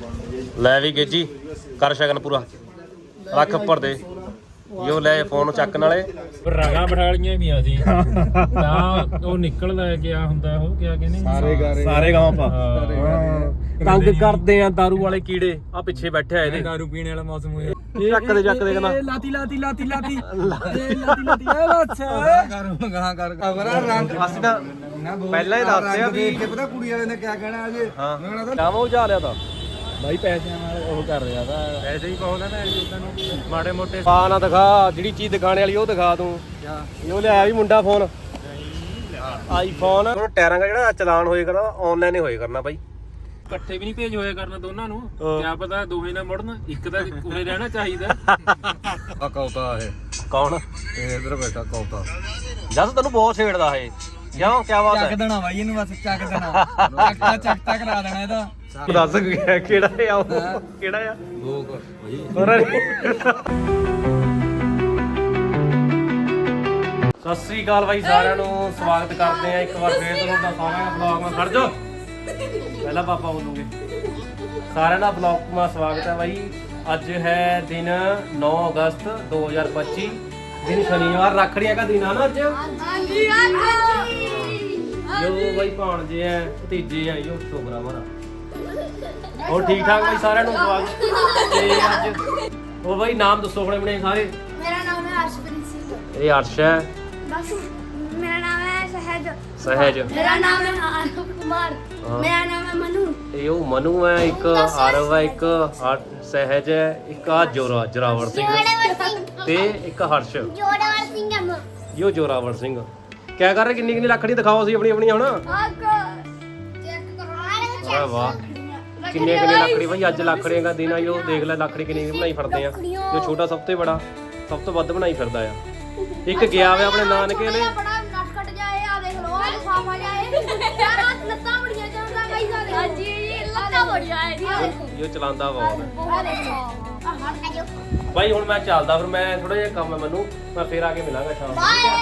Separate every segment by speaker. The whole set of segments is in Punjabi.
Speaker 1: ਲੈ ਵੀ ਗੇਜੀ ਕਰ ਸ਼ਗਨ ਪੂਰਾ ਰੱਖ ਉੱਪਰ ਦੇ ਯੋ ਲੈ ਫੋਨ ਚੱਕ ਨਾਲੇ
Speaker 2: ਰਗਾ ਬਠਾਲੀਆਂ ਵੀ ਆ ਸੀ ਤਾਂ ਉਹ ਨਿਕਲਦਾ ਗਿਆ ਹੁੰਦਾ ਉਹ ਕਿਆ ਕਹਿੰਦੇ
Speaker 1: ਸਾਰੇ ਗਾਵਾਂ ਪਾ ਤੰਗ ਕਰਦੇ ਆ ਦਾਰੂ ਵਾਲੇ ਕੀੜੇ ਆ ਪਿੱਛੇ ਬੈਠੇ ਆ ਇਹਦੇ
Speaker 2: ਦਾਰੂ ਪੀਣ ਵਾਲਾ ਮੌਸਮ ਹੋਇਆ
Speaker 1: ਚੱਕ ਦੇ ਕਹਿੰਦਾ
Speaker 2: ਲਾਤੀ
Speaker 3: ਅਗਰਾ ਰੰਗ
Speaker 1: ਅਸੀਂ ਤਾਂ ਪਹਿਲਾਂ ਹੀ ਦੱਸਦੇ ਆ ਵੀ
Speaker 3: ਦੇਖ ਕੇ ਪਤਾ ਕੁੜੀ ਵਾਲੇ ਨੇ ਕਿਆ ਕਹਿਣਾ ਅਜੇ ਮੈਂ ਕਹਿੰਦਾ
Speaker 1: ਕਾਮਾ ਉਜਾ ਲਿਆ ਤਾਂ
Speaker 2: ਬਾਈ ਪੈਸਿਆਂ ਨਾਲ ਉਹ ਕਰ ਰਿਹਾ ਤਾਂ
Speaker 1: ਐਸੇ ਹੀ ਕਹੋ ਨਾ ਤੈਨੂੰ ਮਾੜੇ ਮੋਟੇ ਪਾ ਨਾ ਦਿਖਾ ਜਿਹੜੀ ਚੀਜ਼ ਦਿਖਾਣੇ ਵਾਲੀ ਉਹ ਦਿਖਾ ਤੂੰ ਉਹ ਲਿਆਇਆ ਵੀ ਮੁੰਡਾ ਫੋਨ ਆਈਫੋਨ ਹੁਣ ਟਾਇਰਾਂ ਦਾ ਜਿਹੜਾ ਚਲਾਨ ਹੋਏ ਕਰਨਾ ਆਨਲਾਈਨ ਹੀ ਹੋਏ ਕਰਨਾ ਬਾਈ
Speaker 2: ਇਕੱਠੇ ਵੀ ਨਹੀਂ ਭੇਜ ਹੋਇਆ ਕਰਨਾ ਦੋਨਾਂ ਨੂੰ ਕਿਆ ਪਤਾ ਦੋਹੇ ਨਾ ਮੁੜਨ ਇੱਕ ਤਾਂ ਉਰੇ ਰਹਿਣਾ ਚਾਹੀਦਾ
Speaker 3: ਆ ਕੌਤਾ ਇਹ
Speaker 1: ਕੌਣ
Speaker 3: ਇਹ ਇਧਰ ਬੈਠਾ ਕੌਤਾ
Speaker 1: ਜਦ ਤੈਨੂੰ ਬਹੁਤ ਛੇੜਦਾ ਇਹ ਕਿਉਂ ਕੀ ਬਾਤ ਹੈ
Speaker 4: ਦੇਣਾ ਬਾਈ ਇਹਨੂੰ ਬਸ ਚੱਕ ਦੇਣਾ ਚੱਕਤਾ ਕਰਾ ਦੇਣਾ ਇਹਦਾ
Speaker 1: ਦੱਸ ਕਿਹੜਾ ਆ ਉਹ ਕਿਹੜਾ ਆ
Speaker 3: ਲੋਕ
Speaker 1: ਸਤਿ ਸ੍ਰੀ ਅਕਾਲ ਬਾਈ ਸਾਰਿਆਂ ਨੂੰ ਸਵਾਗਤ ਕਰਦੇ ਆ ਇੱਕ ਵਾਰ ਫੇਰ ਤੁਹਾਡਾ ਸਾਰਿਆਂ ਦਾ ਬਲੌਗ ਮੈਂ ਖੜ ਜਾ ਪਹਿਲਾਂ ਪਾਪਾ ਬੋਲੂਗੇ ਸਾਰਿਆਂ ਦਾ ਬਲੌਗ ਮਾ ਸਵਾਗਤ ਹੈ ਬਾਈ ਅੱਜ ਹੈ ਦਿਨ 9 ਅਗਸਤ 2025 ਦਿਨ ਸ਼ਨੀਵਾਰ ਰੱਖੜੀਆਂ ਦਾ ਦਿਨ ਆ ਨਾ ਅੱਜ ਜੋ ਬਾਈ ਭਾਣਜੇ ਆ ਭਤੀਜੇ ਆ ਜੋ ਛੋਕਰਾ ਮਾਰਾ ਹੋਰ ਠੀਕ ਠਾਕ ਬਾਈ ਸਾਰਿਆਂ ਨੂੰ ਸਵਾਗਤ ਤੇ ਅੱਜ ਉਹ ਬਾਈ ਨਾਮ ਦੱਸੋ ਆਪਣੇ ਸਾਰੇ
Speaker 5: मेरा नाम है अर्शप्रीत सिंह
Speaker 1: ਇਹ ਅਰਸ਼ ਹੈ
Speaker 5: बस मेरा नाम है सहज
Speaker 1: ਸਹਿਜ
Speaker 5: मेरा नाम है आरव कुमार मेरा नाम है मनु
Speaker 1: ਇਹ ਉਹ ਮਨੂ ਹੈ ਇੱਕ ਆਰਵ ਹੈ ਇੱਕ ਸਹਿਜ ਹੈ ਇੱਕ ਆ ਜੋਰਾਵਰ ਸਿੰਘ ਤੇ ਇੱਕ ਹਰਸ਼
Speaker 5: जोड़ावर सिंह हम
Speaker 1: ਇਹੋ ਜੋਰਾਵਰ ਸਿੰਘ ਕਿਆ ਕਰ ਰਹੇ ਕਿੰਨੀ ਲੱਕੜੀ ਦਿਖਾਓ ਸੀ ਆਪਣੀ ਆਪਣੀ ਹੁਣ
Speaker 5: आपको चेक करो
Speaker 1: ਵਾਹ ਵਾਹ ਕਿੰਨੇ ਲੱਕੜੀ ਭਾਈ ਅੱਜ ਲੱਕੜੀਆਂ ਦਾ ਦਿਨ ਆ ਜੋ ਦੇਖ ਲੈ ਲੱਕੜੀ ਕਿੰਨੀ ਬਣਾਈ ਫਿਰਦੇ ਆ ਜੋ ਛੋਟਾ ਸਭ ਤੋਂ ਬੜਾ ਸਭ ਤੋਂ ਵੱਧ ਬਣਾਈ ਫਿਰਦਾ ਆ ਇੱਕ ਗਿਆ ਵੇ ਆਪਣੇ ਨਾਨਕੇ ਨੇ
Speaker 5: बड़ा नटखट जाए आ देख लो आज साफा जाए यार आज लत्ता बढ़िया चलता भाई सारे हां जी लत्ता बढ़िया है
Speaker 1: ਜੋ ਚਲਾਉਂਦਾ ਬਹੁਤ
Speaker 5: आ देखो
Speaker 1: ਭਾਈ ਹੁਣ ਮੈਂ ਚੱਲਦਾ ਫਿਰ ਮੈਂ ਥੋੜਾ ਜਿਹਾ ਕੰਮ ਹੈ ਮੈਨੂੰ ਮੈਂ ਫੇਰ ਆ ਕੇ ਮਿਲਾਂਗਾ ਸ਼ਾਮ ਨੂੰ
Speaker 5: बाय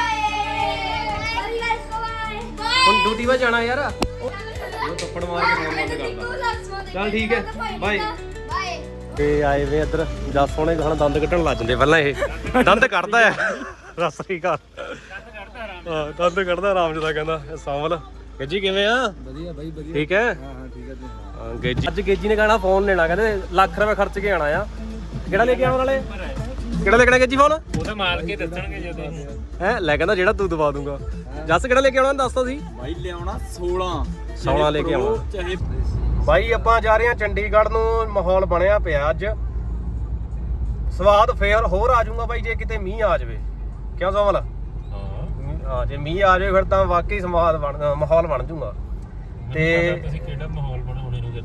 Speaker 1: ਹੁਣ ਡਿਊਟੀ 'ਤੇ ਜਾਣਾ ਯਾਰ ਉਹ ਥੱਪੜ ਮਾਰ ਕੇ ਫੋਨ ਬੰਦ ਕਰਦਾ ਚੱਲ ਠੀਕ ਹੈ ਬਾਏ
Speaker 5: बाय
Speaker 1: ਤੇ ਆਏ ਵੇ ਇੱਧਰ ਜੱਸ ਸੋਹਣੇ ਗਾਣਾ ਦੰਦ ਕੱਢਣ ਲੱਗ ਜਾਂਦੇ ਪਹਿਲਾਂ ਇਹ ਦੰਦ ਕੱਢਦਾ ਆ ਸਤਿ ਸ੍ਰੀ ਅਕਾਲ ਹਾਂ ਦੰਦ ਕੱਢਦਾ ਆਰਾਮ ਜਿਹਾ ਕਹਿੰਦਾ ਇਹ ਸਾਂਵਲ ਗੇਜੀ ਕਿਵੇਂ ਆ
Speaker 3: ਵਧੀਆ ਬਾਈ ਵਧੀਆ
Speaker 1: ਠੀਕ ਹੈ
Speaker 3: ਹਾਂ ਠੀਕ ਹੈ ਜੀ
Speaker 1: ਹਾਂ ਗੇਜੀ ਅੱਜ ਗੇਜੀ ਨੇ ਕਹਣਾ ਫੋਨ ਲੈਣਾ ਕਹਿੰਦੇ ਲੱਖ ਰੁਪਏ ਖਰਚ ਕੇ ਆਣਾ ਆ ਕਿਹੜਾ ਲੈ ਕੇ ਆਉਣ ਵਾਲੇ ਕਿਹੜਾ ਲੈਣਾ ਗੇਜੀ ਫੋਨ
Speaker 2: ਉਹ ਤਾਂ ਮਾਰ ਕੇ ਦੱਸਣਗੇ ਜਦੋਂ
Speaker 1: ਹੈ ਲੈ ਕਹਿੰਦਾ ਜਿਹੜਾ ਤੂੰ ਦਵਾ ਦੂੰਗਾ ਜੱਸ ਕਿਹੜਾ ਲੈ ਕੇ ਆਉਣਾ ਦੱਸਦਾ ਸੀ
Speaker 3: ਬਾਈ ਲਿਆਉਣਾ 16
Speaker 1: 16 ਲੈ ਕੇ ਆਉਣਾ
Speaker 2: ਚਾਹੇ
Speaker 1: ਬਾਈ ਆਪਾਂ ਜਾ ਰਹੇ ਹਾਂ ਚੰਡੀਗੜ੍ਹ ਨੂੰ ਮਾਹੌਲ ਬਣਿਆ ਪਿਆ ਅੱਜ ਸਵਾਦ ਫੇਰ ਹੋਰ ਆ ਜਾਊਗਾ ਬਾਈ ਜੇ ਕਿਤੇ ਮੀਂਹ ਆ ਜਾਵੇ ਕਿਉਂ ਸੋਮਲ ਹਾਂ ਜੇ ਮੀਂਹ ਆ ਜਾਵੇ ਫਿਰ ਤਾਂ ਵਾਕਈ ਸਵਾਦ ਮਾਹੌਲ ਬਣ ਜਾਊਗਾ ਤੇ
Speaker 2: ਤੁਸੀਂ ਕਿਹੜਾ ਮਾਹੌਲ ਬਣਾਉਣੇ ਨੂੰ